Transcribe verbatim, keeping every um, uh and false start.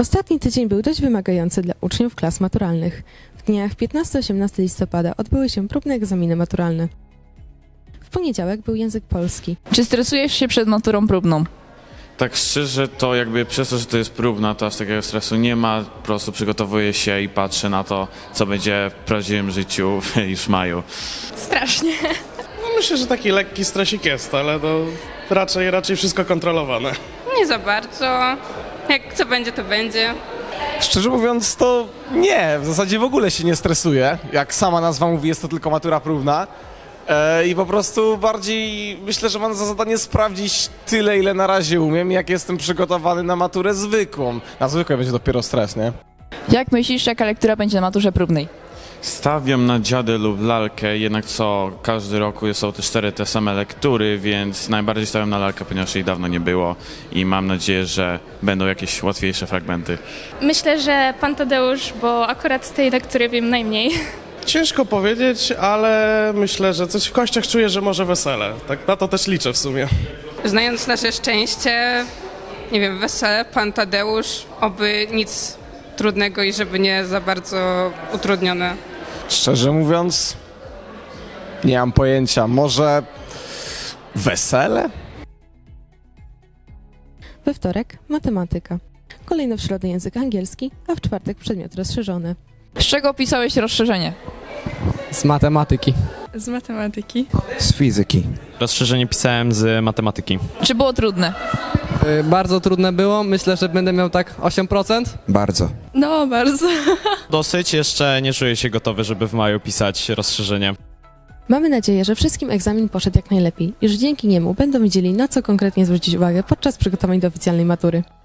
Ostatni tydzień był dość wymagający dla uczniów klas maturalnych. W dniach piętnastego osiemnastego listopada odbyły się próbne egzaminy maturalne. W poniedziałek był język polski. Czy stresujesz się przed maturą próbną? Tak szczerze, to jakby przez to, że to jest próbna, to aż takiego stresu nie ma. Po prostu przygotowuję się i patrzę na to, co będzie w prawdziwym życiu już w maju. Strasznie. No myślę, że taki lekki stresik jest, ale to raczej, raczej wszystko kontrolowane. Nie za bardzo. Jak co będzie, to będzie. Szczerze mówiąc, to nie, w zasadzie w ogóle się nie stresuję. Jak sama nazwa mówi, jest to tylko matura próbna. E, I po prostu bardziej myślę, że mam za zadanie sprawdzić tyle, ile na razie umiem, jak jestem przygotowany na maturę zwykłą. Na zwykłej będzie dopiero stres, nie? Jak myślisz, jaka lektura będzie na maturze próbnej? Stawiam na dziadę lub lalkę, jednak co każdy roku są te cztery te same lektury, więc najbardziej stawiam na lalkę, ponieważ jej dawno nie było i mam nadzieję, że będą jakieś łatwiejsze fragmenty. Myślę, że pan Tadeusz, bo akurat z tej lektury wiem najmniej. Ciężko powiedzieć, ale myślę, że coś w kościach czuję, że może wesele. Tak na to też liczę w sumie. Znając nasze szczęście, nie wiem, wesele, pan Tadeusz, oby nic trudnego i żeby nie za bardzo utrudnione. Szczerze mówiąc, nie mam pojęcia. Może wesele? We wtorek matematyka. Kolejno w środę język angielski, a w czwartek przedmiot rozszerzony. Z czego pisałeś rozszerzenie? Z matematyki. Z matematyki. Z fizyki. Rozszerzenie pisałem z matematyki. Czy było trudne? Y, bardzo trudne było. Myślę, że będę miał tak osiem procent. Bardzo. No, bardzo. Dosyć, jeszcze nie czuję się gotowy, żeby w maju pisać rozszerzenie. Mamy nadzieję, że wszystkim egzamin poszedł jak najlepiej i że dzięki niemu będą wiedzieli, na co konkretnie zwrócić uwagę podczas przygotowań do oficjalnej matury.